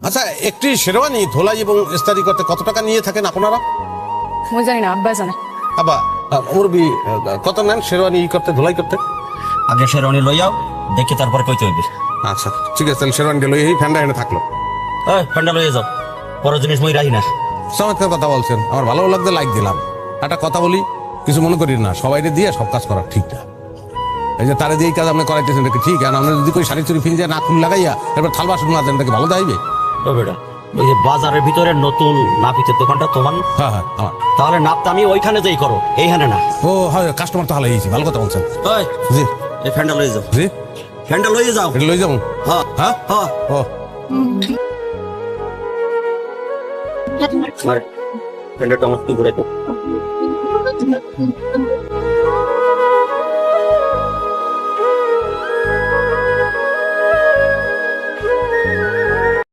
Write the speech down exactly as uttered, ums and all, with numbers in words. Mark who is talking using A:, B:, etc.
A: আচ্ছা, একটি শেরওয়ানি ধোলাই এবং ইস্তারি করতে কত টাকা নিয়ে থাকেন আপনারা?
B: মই জানি না, আব্বা জানে।
A: আবা মুরবি কত নেন শেরওয়ানি ই করতে, ধোলাই করতে?
C: আগে শেরওয়ানি লই যাও, দেখে তারপর কইতে হইবে।
A: আচ্ছা ঠিক আছে, তাহলে শেরওয়ানিটা লই এই ফ্যানটা এনে থাকলো।
C: এই ফ্যানটা লইয়ে যাও, পরের জিনিস মই রাখি না।
A: চমৎকার কথা বলছেন, আমার ভালো লাগতে লাইক দিলাম। একটা কথা বলি, কিছু মনে করি না, সবাইকে দিয়ে সব কাজ করা ঠিক না। এই যে তারা দিয়ে এই কাজ আপনি করাইতেছেন এটা কি ঠিক? আর আপনি যদি কই শাড়ি চুরি ফিনজে না খুল লাগাইয়া এবার থাল বাসন না দেন, এটা কি ভালো দাইবে?
C: ও বেটা, ওই যে বাজারের ভিতরে নতুন নাপিতের দোকানটা তোমার?
A: হ্যাঁ হ্যাঁ আমার।
C: তাহলে নাপটা আমি ওইখানে যেই করো, এইখানে না।
A: ও হয়, কাস্টমার তো হালাই গেছি, ভালো কথা বলছেন।
C: ওই
A: জি
C: এই ফ্যানটা লইয়ে যাও,
A: জি,
C: ফ্যানটা লইয়ে যাও।
A: এটা লই যাবো।
C: হ্যাঁ
A: হ্যাঁ
C: হ্যাঁ।
A: ও
C: মারে ফ্যানটা আমার কি ঘুরাইতো।